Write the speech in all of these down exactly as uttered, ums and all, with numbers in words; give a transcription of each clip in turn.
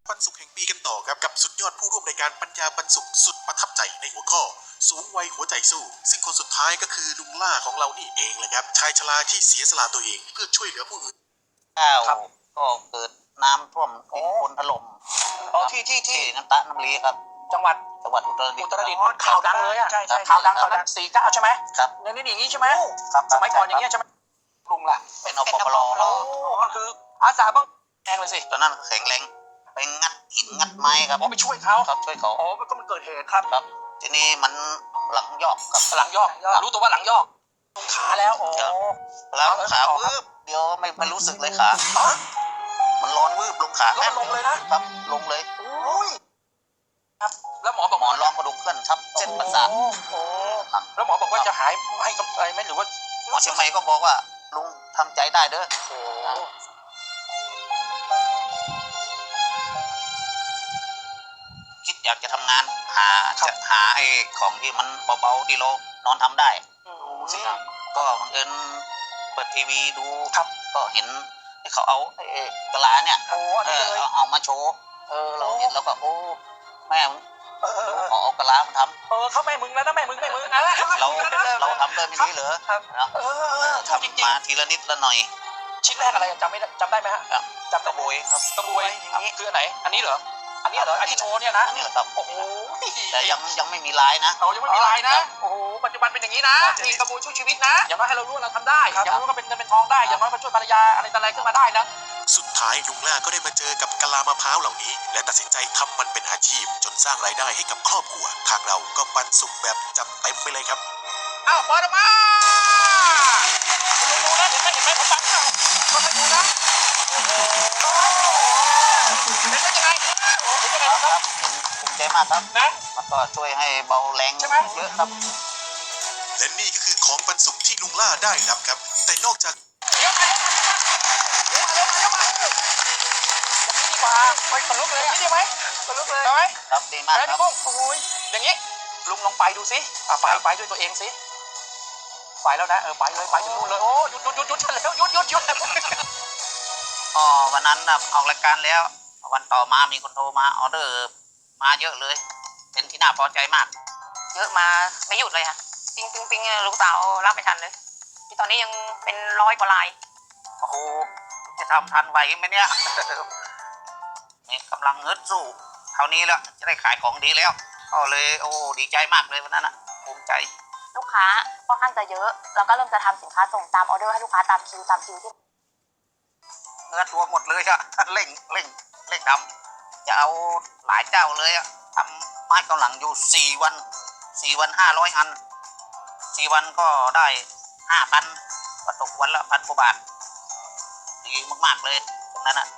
ปันสุขแห่งปีกันต่อครับกับสุดยอดผู้ร่วมรายการปัญญาปันสุขสุดประทับใจในหัวข้อสูงวัยหัวใจสู้ซึ่งคนสุดท้ายก็คือลุงล่าของเรานี่เองแหละครับชายชราที่เสียสละตัวเองเพื่อช่วยเหลือผู้อื่นข้าวก็เกิดน้ำท่วมดินโคลนถล่มอ๋อที่ที่ที่ที่น้ำตาน้ำลีครับจังหวัดจังหวัดอุตรดิตอุถ์ตรดิตถ์ข่าวดังเลยอ่ะใช่ใช่ข่าวดังตอนนั้นสี่เก้าใช่ไหมครับในนี้อย่างนี้ใช่ไหมครับสมัยก่อนอย่างเงี้ยใช่ไหมลุงล่ะเป็นอปปลโอ้มันคืออาสาบ้างแองเลยสิตอนนั้นแข็งแรงไปงัดหินงัดไม้ครับอ๋อไปช่วยเขาครับช่วยเขาอ๋อก็มันเกิดเหตุครับครับทีนี้มันหลังยอกครับหลังยอกรู้ตัวว่าหลังยอกขาแล้วอ๋อแล้วขาวืบเดียวไม่ไม่รู้สึกเลยขาอ๋อมันร้อนวืบลงขาแล้วมันลงเลยนะครับลงเลยโอ้ยครับแล้วหมอบอกหมอนรองกระดูกเคลื่อนทับเส้นประสาทโอ้โหแล้วหมอบอกว่าจะหายให้กำไรไหมหรือว่าหมอเชียงใหม่ก็บอกว่าลุงทำใจได้เด้อโอ้คิดอยากจะทำงานหาจะหาไอ้ของที่มันเบาๆที่เรานอนทำได้สิก็บังเอิญเปิดทีวีดูครับก็เห็นให้เขาเอาไอ้กะลาเนี่ยโอ้อันเอนี้อเลยเอาเอามาโชว์เออเราเห็นแล้วก็โอ้แม่มึงเออเออขอเอากะลามาทเออเขาแม่มึงแล้วนะแม่มึงแม่มึงนะำเราเราทำได้ไม่ดีเหรอครับเนาะเออเออทำจริงทำมาทีละนิดละหน่อยๆชิ้นแรกอะไรจำไม่ได้จำได้ไหมฮะครับจำกได้ระไหมบวยครับกระบวยอย่างนี้คืออันไหน อันนี้เหรอ อันนี้เหรออันที่โชว์เนี่ยนะอันนี้แหละครับโอ้โหแต่ยังยังไม่มีลายนะเรายังไม่มีลายนะ โอ้โห ปัจจุบันเป็นอย่างนี้นะมีกระบวยช่วยชีวิตนะ อย่างน้อยให้เรารู้ว่าเราทำได้ อย่างน้อยก็เป็นเงินเป็นทองได้ อย่างน้อยก็ช่วยภรรยาอะไรต่ออะไรขึ้นมาได้นะสุดท้ายลุงล่าก็ได้มาเจอกับกะลามะพร้าวเหล่านี้ และตัดสินใจทำมันเป็นอาชีพ จนสร้างรายได้ให้กับครอบครัวทางเราก็ปันสุขแบบจัดเต็มไปเลยครับอ้าวเปิดออกมาคุณดูนะเห็นไหมเห็นไหมผมฟังอ้าวก็ไปดูนะโอ้โหเห็นได้ยังไงโอ้เห็นยังไงคครัรับบ เห็นภูมิใจมากครับนะมันก็ช่วยให้เบาแรงใช่ไหมเยอะครับและนี่ก็คือของปันสุขที่ลุงล่าได้รับครับ แต่นอกจากเดี๋ยวมาเดี๋ยวมาเดี๋ยวมาเดี๋ยวมาอย่างนี้ดีกว่าไปขนลุกเลยอย่างนี้ดีไหมขนลุกเลยได้ไหมครับดีมากแล้วครัพี่บกุ้งโอ้ยอย่างนี้ลุงลองไปดูสิอ่ะไปไปด้วยตัวเองสิไปแล้วนะเออไปเลยไปถึงนู่นเลยโอ้หยุดหยุดหยุดหยุดแล้วหยุดหยุดหยุดอ๋อวันนั้นนะออกรายการแล้ว วันต่อมามีคนโทรมาออเดอร์มาเยอะเลย เป็นที่น่าพอใจมากเยอะมาไม่หยุดเลยค่ะปิงปิงปิงลูกสาวรับไม่ทันเลยที่ตอนนี้ยังเป็นร้อยกว่าลายโอ้โหจะทำทันไหวไหมเนี่ย นี่กำลังฮึดสู้เท่านี้แล้วจะได้ขายของดีแล้วก็เลยโอ้ดีใจมากเลยวันนั้นนะภูมิใจลูกค้าค่อนข้างจะเยอะแล้วก็เริ่มจะทำสินค้าส่งตามออเดอร์ให้ลูกค้าตามคิวตามคิวที่เนื้อตัวหมดเลยอะ เร่งเร่งเร่งทำจะเอาหลายเจ้าเลยอะทำไม้กำลังอยู่สี่วันสี่วันห้าร้อยอันสี่วันก็ได้ห้าพันก็ตกวันละพันกว่าบาทดีมากๆเลยตรงนั้นอะ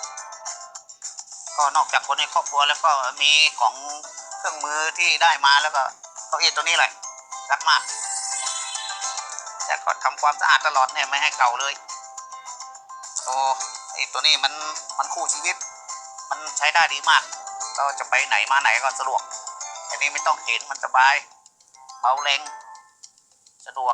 ก็นอกจากคนในครอบครัวแล้วก็มีของเครื่องมือที่ได้มาแล้วก็เก้าอี้ตัวนี้แหละรักมากแต่ก็ทำความสะอาดตลอดเนี่ยไม่ให้เก่าเลยโอ้ไอตัวนี้มันมันคู่ชีวิตมันใช้ได้ดีมากเราจะไปไหนมาไหนก็สะดวกอันนี้ไม่ต้องเข็นมันสบายเบาแรงสะดวก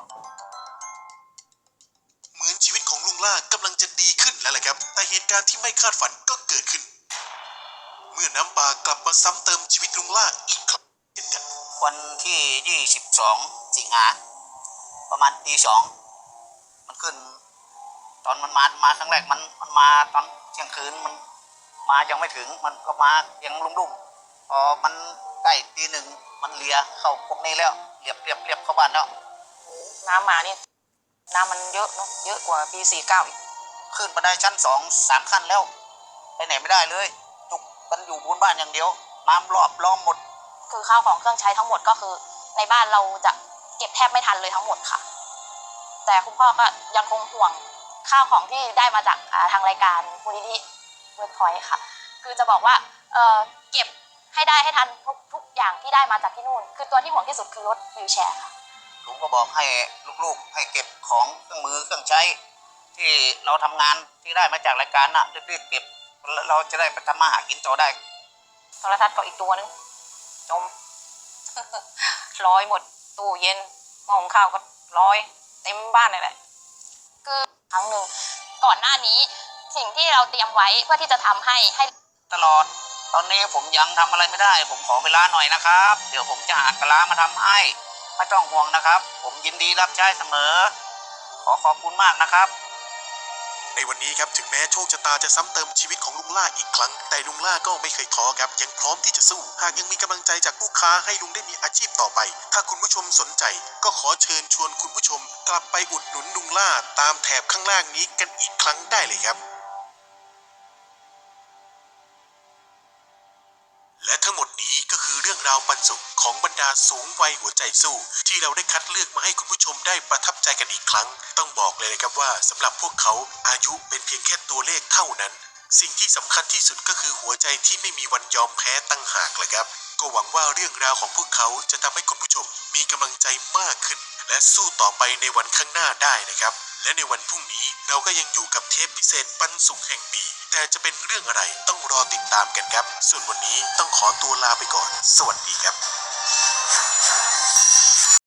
เหมือนชีวิตของลุงล่ากำลังจะดีขึ้นแล้วแหละครับ แต่เหตุการณ์ที่ไม่คาดฝันก็เกิดขึ้น เมื่อน้ำป่ากลับมาซ้ำเติมชีวิตลุงล่าอีกครั้งเช่นกันวันที่ยี่สิบสองสิงหาประมาณตีสองมันขึ้น ตอนมันมามาครั้งแรกมันมันมาตอนเที่ยงคืนมันมายังไม่ถึงมันก็มายังลุ่มๆพอมันใกล้ตีหนึ่งมันเลียเข้าพวกนี้แล้วเรียบเรียบเรียบเข้าบ้านแล้วน้ำมานี่น้ำมันเยอะเนาะเยอะกว่าปีสี่เก้าอีกขึ้นมาได้ชั้นสองสามขั้นแล้วไปไหนไม่ได้เลยจุกกันอยู่บนบ้านอย่างเดียวน้ำรอบล้อมหมดคือข้าวของเครื่องใช้ทั้งหมดก็คือในบ้านเราจะเก็บแทบไม่ทันเลยทั้งหมดค่ะ แต่คุณพ่อก็ยังคงห่วงข้าวของที่ได้มาจากทางรายการมูลนิธิเวิร์กพอยต์ค่ะคือจะบอกว่าเออเก็บให้ได้ให้ทันทุกทุกอย่างที่ได้มาจากที่นู่นคือตัวที่ห่วงที่สุดคือรถวีลแชร์ค่ะลุงก็บอกให้ลูกๆให้เก็บของเครื่องมือเครื่องใช้ที่เราทำงานที่ได้มาจากรายการน่ะรีบๆเก็บเราจะได้ไปทำมาหากินต่อได้โทรทัศน์ก็อีกตัวนึงจม ร้อยหมดตู้เย็นหม้อหุงข้าวก็ร้อยเต็มบ้านเลยแหละคือครั้งหนึ่งก่อนหน้านี้สิ่งที่เราเตรียมไว้เพื่อที่จะทำให้ให้ตลอดตอนนี้ผมยังทำอะไรไม่ได้ ผมขอเวลาหน่อยนะครับ เดี๋ยวผมจะหากะลามาทำให้ไม่ต้องห่วงนะครับ ผมยินดีรับใช้เสมอ ขอขอบคุณมากนะครับในวันนี้ครับถึงแม้โชคชะตาจะซ้ำเติมชีวิตของลุงล่าอีกครั้งแต่ลุงล่าก็ไม่เคยท้อครับยังพร้อมที่จะสู้หากยังมีกำลังใจจากลูกค้าให้ลุงได้มีอาชีพต่อไปถ้าคุณผู้ชมสนใจก็ขอเชิญชวนคุณผู้ชมกลับไปอุดหนุนลุงล่าตามแถบข้างล่างนี้กันอีกครั้งได้เลยครับและทั้งหมดนี้ก็คือเรื่องราวปันสุขของบรรดาสูงวัยหัวใจสู้ที่เราได้คัดเลือกมาให้คุณผู้ชมได้ประทับใจกันอีกครั้งต้องบอกเลยนะครับว่าสำหรับพวกเขาอายุเป็นเพียงแค่ตัวเลขเท่านั้นสิ่งที่สำคัญที่สุดก็คือหัวใจที่ไม่มีวันยอมแพ้ตั้งหากเลยครับก็หวังว่าเรื่องราวของพวกเขาจะทำให้คุณผู้ชมมีกำลังใจมากขึ้นและสู้ต่อไปในวันข้างหน้าได้นะครับและในวันพรุ่งนี้เราก็ยังอยู่กับเทปพิเศษปันสุขแห่งปีแต่จะเป็นเรื่องอะไรต้องรอติดตามกันครับส่วนวันนี้ต้องขอตัวลาไปก่อนสวัสดีครับ